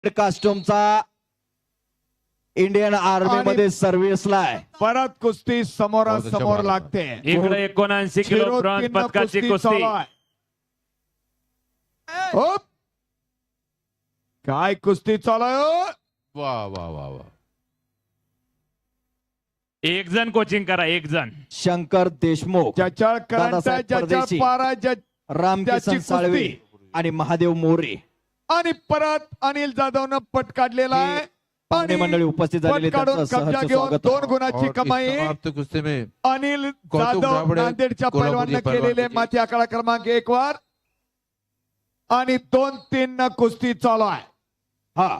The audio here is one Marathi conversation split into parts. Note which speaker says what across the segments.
Speaker 1: कास्ट्यूमचा इंडियन आर्मी मध्ये सर्व्हिसला आहे.
Speaker 2: परत कुस्ती समोरासमोर लागते.
Speaker 3: इकडे 79 किलो ब्रॉन्झ पदकाची कुस्ती.
Speaker 2: होप. काय कुस्ती चालू आहे हो?
Speaker 4: वा वा वा वा.
Speaker 3: एक जण कोचिंग करा, एक जण.
Speaker 1: शंकर देशमुख,
Speaker 2: ज्याच्या करंट
Speaker 1: दादासाहेब
Speaker 2: ज्याच्या
Speaker 1: परदेशी,
Speaker 2: पारा
Speaker 1: रामकिसन
Speaker 2: त्याची
Speaker 1: साळवे
Speaker 2: कुस्ती.
Speaker 1: आणि महादेव मोरे
Speaker 2: आणि परत अनिल जाधवनं पट काढलेला आहे.
Speaker 1: पाहुणे मंडळी उपस्थित झालेले
Speaker 2: पट काढून
Speaker 1: त्यांचं
Speaker 2: कब्जा
Speaker 1: सहर्ष
Speaker 2: घेऊन
Speaker 1: स्वागत.
Speaker 2: 2 गुणाची
Speaker 4: और
Speaker 2: कमाई
Speaker 4: इस समाप्त कुस्ती में
Speaker 2: अनिल
Speaker 4: कौतुक
Speaker 2: जाधव
Speaker 4: राबडे,
Speaker 2: नांदेडच्या
Speaker 4: कोल्हापुरी
Speaker 2: पैलवाननं
Speaker 4: पैलवान
Speaker 2: केलेले
Speaker 4: त्याची.
Speaker 2: माती आकडा क्रमांक 1 वर आणि 2-3 न कुस्ती चालू आहे.
Speaker 1: हा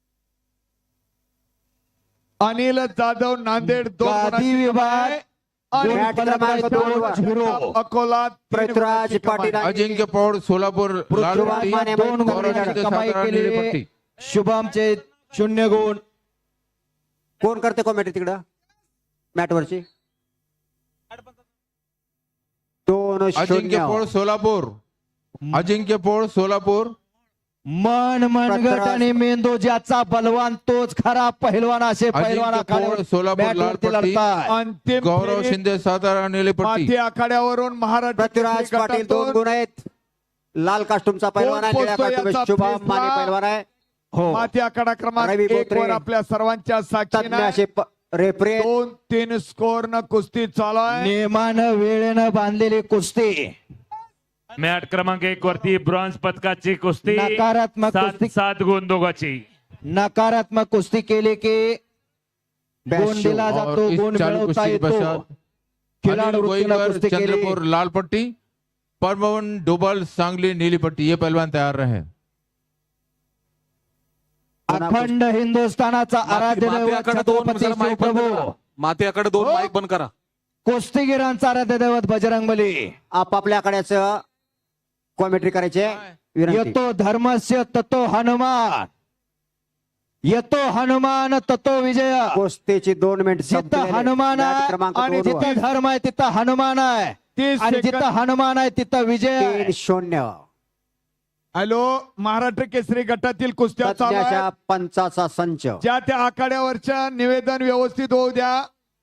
Speaker 2: अनिल जाधव नांदेड 2
Speaker 1: गादी
Speaker 2: गुणाची
Speaker 1: विभाग
Speaker 2: कमाई. आणि
Speaker 1: मॅट क्रमांक 2
Speaker 2: अकोला 3
Speaker 5: पृथ्वीराज
Speaker 2: गुणाची कमाई.
Speaker 5: पाटील
Speaker 4: अजिंक्य पौड़ सोलापुर लाल
Speaker 1: पृथ्वीराज
Speaker 4: पट्टी,
Speaker 1: माने
Speaker 5: दोन
Speaker 1: गौरव
Speaker 5: गुणाची
Speaker 1: शिंदे
Speaker 4: कमाई
Speaker 1: सातारा
Speaker 4: केली.
Speaker 1: नीली पट्टी. शुभमचे 0 गुण.
Speaker 5: कोण करते कॉमेडी तिकडं मॅट वरची
Speaker 4: अजिंक्य पौड़
Speaker 5: 2-0
Speaker 4: सोलापुर, अजिंक्य पौड़ सोलापुर.
Speaker 1: मन मनगट
Speaker 5: पृथ्वीराज.
Speaker 1: आणि मेंदू ज्याचा बलवान तोच खरा पहिलवान असे पहिलवान
Speaker 4: अजिंक्य पौड़ सोलापुर लाल
Speaker 1: बॅटवरती
Speaker 4: पट्टी,
Speaker 1: लढताय.
Speaker 2: अंतिम
Speaker 4: गौरव
Speaker 2: फेरीत
Speaker 4: शिंदे सातारा नीली पट्टी.
Speaker 2: माती आखाड्यावरून महाराष्ट्र
Speaker 5: पृथ्वीराज
Speaker 2: केसरी
Speaker 5: पाटील 2
Speaker 2: गटातून
Speaker 5: गुण आहेत. लाल कास्टूमचा पैलवान आहे,
Speaker 2: कोण
Speaker 5: निळ्या
Speaker 2: पोचतो
Speaker 5: कास्टूम
Speaker 2: याचा
Speaker 5: शुभम
Speaker 2: फैसला?
Speaker 5: माने पैलवान आहे.
Speaker 1: हो
Speaker 2: माती आखाडा क्रमांक
Speaker 5: रवी
Speaker 2: 1
Speaker 5: बोत्रे.
Speaker 2: वर आपल्या सर्वांच्या
Speaker 5: तज्ञ
Speaker 2: साक्षीने
Speaker 5: असे रेफरी
Speaker 2: 2-3 स्कोर न कुस्ती चालू आहे.
Speaker 1: नियमानं वेळेनं बांधलेली कुस्ती.
Speaker 3: मॅट क्रमांक 1 वरती ब्रॉन्झ पदकाची कुस्ती.
Speaker 1: नकारात्मक कुस्ती.
Speaker 3: 7 गुण दोघांची.
Speaker 1: नकारात्मक कुस्ती केली की गुण
Speaker 5: 82.
Speaker 1: दिला
Speaker 4: और
Speaker 1: जातो,
Speaker 4: इस
Speaker 1: गुण
Speaker 4: चालू
Speaker 1: मिळवता
Speaker 4: कुस्ती के
Speaker 1: येतो.
Speaker 4: पश्चात
Speaker 1: खिलाडू
Speaker 4: अनिल
Speaker 1: वृत्तीला
Speaker 4: गोईकर
Speaker 1: कुस्ती केली.
Speaker 4: चंद्रपुर लाल पट्टी, परमवन डोबल सांगली नीली पट्टी. ये पहलवान तैयार रहे.
Speaker 1: अखंड हिंदुस्थानाचा आराध्य दैवत
Speaker 6: मातेकडे 2
Speaker 1: छत्रपती
Speaker 6: माईक बंद
Speaker 1: शिवप्रभू,
Speaker 6: करा. मातेकडे 2 माईक बंद करा.
Speaker 1: कुस्तीगिरांचा आराध्य दैवत बजरंगबली.
Speaker 5: आपापल्याकडेच कॉमेंट्री करायचे विनंती.
Speaker 1: येतो धर्मस्य ततो हनुमान, येतो हनुमान ततो विजय.
Speaker 5: कुस्तीची 2 मिनिट
Speaker 1: जिथं हनुमान आहे
Speaker 5: क्रमांक
Speaker 1: आणि
Speaker 5: 2 वर
Speaker 1: जिथं धर्म आहे तिथं हनुमान आहे
Speaker 2: 30
Speaker 1: आणि
Speaker 2: सेकंद.
Speaker 1: जिथं हनुमान आहे तिथं विजय आहे.
Speaker 5: 3-0
Speaker 2: हॅलो, महाराष्ट्र केसरी गटातील कुस्त्या चालू
Speaker 5: तज्ञाच्या
Speaker 2: आहेत.
Speaker 5: पंचाचा संच.
Speaker 2: ज्या त्या आखाड्यावरच्या निवेदन व्यवस्थित होऊ द्या.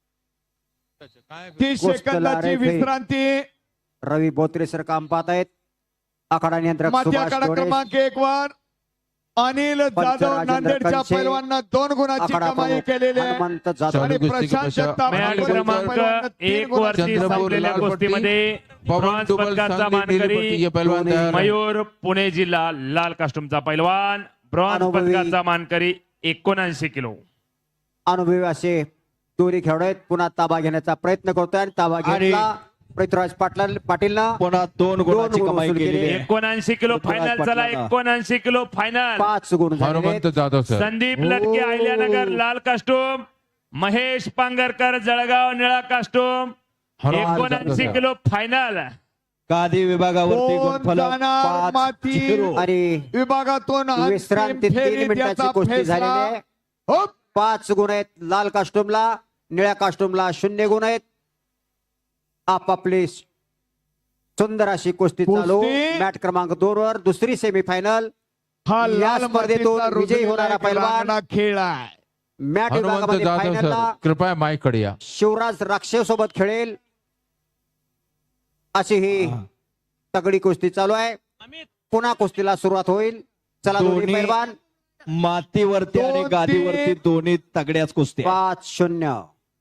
Speaker 2: 30
Speaker 5: कुस्तीला
Speaker 2: सेकंदाची
Speaker 5: रेफरी.
Speaker 2: विश्रांती.
Speaker 5: रवी बोत्रे सर काम पाहत आहेत. आखाडा नियंत्रक
Speaker 2: माती
Speaker 5: सुभाष
Speaker 2: आखाडा
Speaker 5: डोळे.
Speaker 2: क्रमांक 1 वर अनिल जाधव
Speaker 5: राजेंद्र
Speaker 2: नांदेडच्या
Speaker 5: कंचे.
Speaker 2: पैलवानांना 2 गुणाची
Speaker 5: आखाडा
Speaker 2: कमाई
Speaker 5: प्रमुख
Speaker 2: केलेली आहे.
Speaker 5: हनुमंत जाधव.
Speaker 2: आणि
Speaker 4: चालू कुस्ती के
Speaker 2: प्रशांत
Speaker 4: पश्चात
Speaker 2: जगताप
Speaker 3: मॅट
Speaker 4: अनिल
Speaker 3: क्रमांक
Speaker 2: पैलवानांना 3
Speaker 3: 1
Speaker 2: गुणाची
Speaker 3: वरती
Speaker 4: चंद्रपुर
Speaker 3: संपलेल्या
Speaker 4: लाल पट्टी,
Speaker 3: कुस्तीमध्ये
Speaker 4: पवन
Speaker 3: ब्रॉन्झ
Speaker 4: डोबल
Speaker 3: पदकाचा
Speaker 4: सांगली नीली
Speaker 3: मानकरी
Speaker 4: पट्टी. ये पहलवान तैयार रहे.
Speaker 3: मयूर पुणे जिल्हा लाल कास्टूमचा पैलवान. ब्रॉन्झ
Speaker 5: अनुभवी.
Speaker 3: पदकाचा मानकरी 79 किलो.
Speaker 5: अनुभवी असे दोन्ही खेळाडू आहेत. पुन्हा ताबा घेण्याचा प्रयत्न करतोय आणि ताबा
Speaker 1: आणि-
Speaker 5: घेतला पृथ्वीराज पाटीलनं
Speaker 1: पुन्हा 2 गुणाची
Speaker 5: गुण
Speaker 1: कमाई
Speaker 5: वसूल
Speaker 1: केलेली
Speaker 5: केली.
Speaker 1: आहे.
Speaker 3: 79 किलो फायनल. चला 79 किलो फायनल.
Speaker 5: 5 गुण झालेले आहेत.
Speaker 4: हनुमंत जाधव सर.
Speaker 3: संदीप लटके अहिल्यानगर लाल कास्टूम, महेश पांगरकर जळगाव निळा costume.
Speaker 4: Hanumant
Speaker 3: 79
Speaker 4: Jadhav
Speaker 3: kilo final.
Speaker 1: गादी विभागावरती
Speaker 2: कोण
Speaker 1: गुणफलक
Speaker 2: जाणार माती?
Speaker 1: 5-0.
Speaker 5: आणि
Speaker 2: विभागातून अंतिम
Speaker 5: विश्रांती 3
Speaker 2: फेरीत
Speaker 5: मिनिटाची
Speaker 2: याचा
Speaker 5: कुस्ती
Speaker 2: फैसला.
Speaker 5: झालेली आहे.
Speaker 2: हो.
Speaker 5: 5 गुण आहेत लाल कास्टूमला, निळ्या कास्टूमला 0 गुण आहेत. आपापली सुंदर अशी कुस्ती चालू.
Speaker 2: कुस्ती.
Speaker 5: मॅट क्रमांक 2 वर दुसरी सेमीफायनल.
Speaker 2: हा
Speaker 5: या
Speaker 2: लाल
Speaker 5: स्पर्धेतून
Speaker 2: मातीचा
Speaker 5: विजयी होणारा
Speaker 2: रुजलेला
Speaker 5: पैलवान.
Speaker 2: रांगडा खेळ आहे.
Speaker 5: मॅट
Speaker 4: हनुमंत
Speaker 5: विभागामध्ये
Speaker 4: जाधव सर,
Speaker 5: फायनलला
Speaker 4: कृपया माइक कडे या.
Speaker 5: शिवराज राक्षे सोबत खेळेल अशी ही तगडी कुस्ती चालू आहे. पुन्हा कुस्तीला सुरुवात होईल. चला दोन्ही
Speaker 1: दोन्ही
Speaker 5: पैलवान.
Speaker 1: मातीवरती आणि
Speaker 2: 2-3.
Speaker 1: गादीवरती दोन्ही तगड्याच कुस्ती आहेत.
Speaker 5: 5-0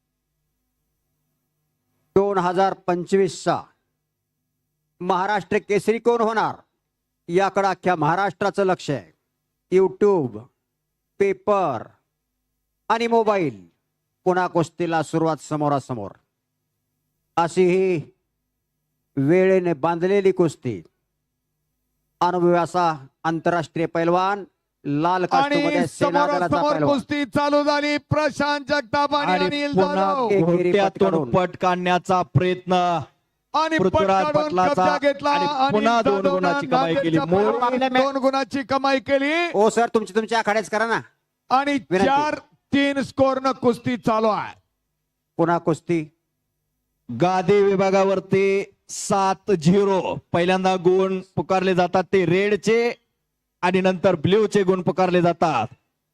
Speaker 5: 2025 महाराष्ट्र केसरी कोण होणार याकडे अख्ख्या महाराष्ट्राचं लक्ष आहे. यूट्यूब, पेपर आणि मोबाईल. पुन्हा कुस्तीला सुरुवात समोरासमोर. अशी ही वेळेने बांधलेली कुस्ती. अनुभवी असा आंतरराष्ट्रीय पैलवान लाल कास्टूममध्ये
Speaker 2: आणि
Speaker 5: सेनादलाचा
Speaker 2: समोरासमोर
Speaker 5: पैलवान.
Speaker 2: कुस्ती चालू झाली. प्रशांत जगताप आणि
Speaker 1: आणि
Speaker 2: अनिल
Speaker 1: पुन्हा
Speaker 2: जाधव.
Speaker 5: एकेरी पट
Speaker 1: घोट्यातून
Speaker 5: काढून.
Speaker 1: पट काढण्याचा प्रयत्न
Speaker 2: आणि पट
Speaker 1: पृथ्वीराज
Speaker 2: काढून
Speaker 1: पाटलाचा
Speaker 2: कब्जा घेतला.
Speaker 1: आणि
Speaker 2: अनिल
Speaker 1: पुन्हा 2
Speaker 2: जाधवनं
Speaker 1: गुणाची कमाई केली.
Speaker 2: नांदेडच्या
Speaker 1: मूळ
Speaker 2: पैलवानाने 2 गुणाची कमाई केली.
Speaker 5: ओ सर तुमच्या आखाड्याच करा ना.
Speaker 2: आणि
Speaker 5: विनंती.
Speaker 2: 4-3 स्कोर न कुस्ती चालू आहे.
Speaker 5: पुन्हा कुस्ती.
Speaker 1: गादी विभागावरती 7-0 पहिल्यांदा गुण पुकारले जातात ते रेडचे आणि नंतर ब्ल्यूचे गुण पुकारले जातात.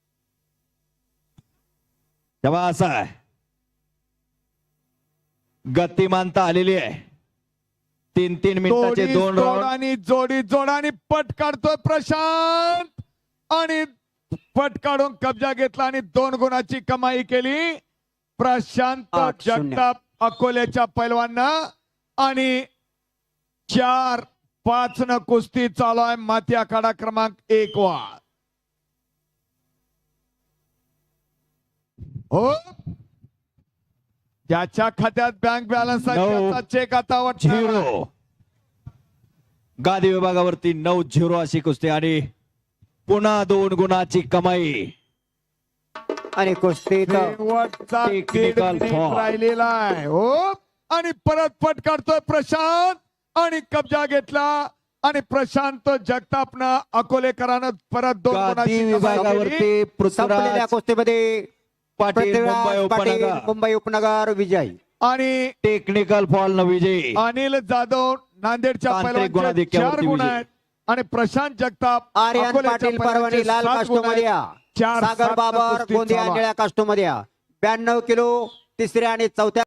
Speaker 1: तेव्हा असं आहे, गतिमानता आलेली आहे. 3-3 मिनिटाचे
Speaker 2: जोडी
Speaker 1: 2 राऊंड.
Speaker 2: जोडानी जोडी जोडानी पट काढतोय प्रशांत आणि पट काढून कब्जा घेतला आणि 2 गुणाची कमाई केली प्रशांत
Speaker 5: 8-0.
Speaker 2: जगताप अकोल्याच्या पैलवांना. आणि 4-5 न कुस्ती चालू आहे माती आखाडा क्रमांक 1 वर. हो, ज्याच्या खात्यात बँक बॅलन्स आहे
Speaker 1: 9,
Speaker 2: त्याचा चेक आता वाटणार आहे.
Speaker 1: 0. गादी विभागावरती 9-0 अशी कुस्ती आणि पुन्हा 2 गुणाची कमाई.
Speaker 5: आणि कुस्ती तर
Speaker 2: शेवटचा
Speaker 1: Technical
Speaker 2: 1.5 मिनिट
Speaker 1: foul.
Speaker 2: राहिलेला आहे. हो, आणि परत पट काढतोय प्रशांत आणि कब्जा घेतला आणि प्रशांत जगतापनं अकोलेकरानं परत 2
Speaker 1: गादी
Speaker 2: गुणाची कमाई केली.
Speaker 1: विभागावरती
Speaker 5: संपलेल्या
Speaker 1: पृथ्वीराज
Speaker 5: कुस्तीमध्ये
Speaker 1: पाटील मुंबई
Speaker 5: पृथ्वीराज पाटील
Speaker 1: उपनगर
Speaker 5: मुंबई उपनगर विजयी.
Speaker 2: आणि
Speaker 1: टेक्निकल फॉल न विजयी.
Speaker 2: अनिल जाधव नांदेडच्या
Speaker 1: तांत्रिक
Speaker 2: पैलवानचे
Speaker 1: गुणाधिक्यावरती
Speaker 2: 4 गुण
Speaker 1: विजयी.
Speaker 2: आहेत आणि प्रशांत जगताप
Speaker 5: आर्यन
Speaker 2: अकोल्याच्या
Speaker 5: पाटील
Speaker 2: पैलवानचे
Speaker 5: परभणी लाल
Speaker 2: 7 गुण
Speaker 5: कास्टूम मध्ये
Speaker 2: आहेत.
Speaker 5: या.
Speaker 2: 4-7
Speaker 5: सागर
Speaker 2: न
Speaker 5: बाबर
Speaker 2: कुस्ती
Speaker 5: गोंदिया
Speaker 2: चालू आहे.
Speaker 5: निळ्या कास्टूम मध्ये या. 92 किलो तिसऱ्या आणि चौथ्या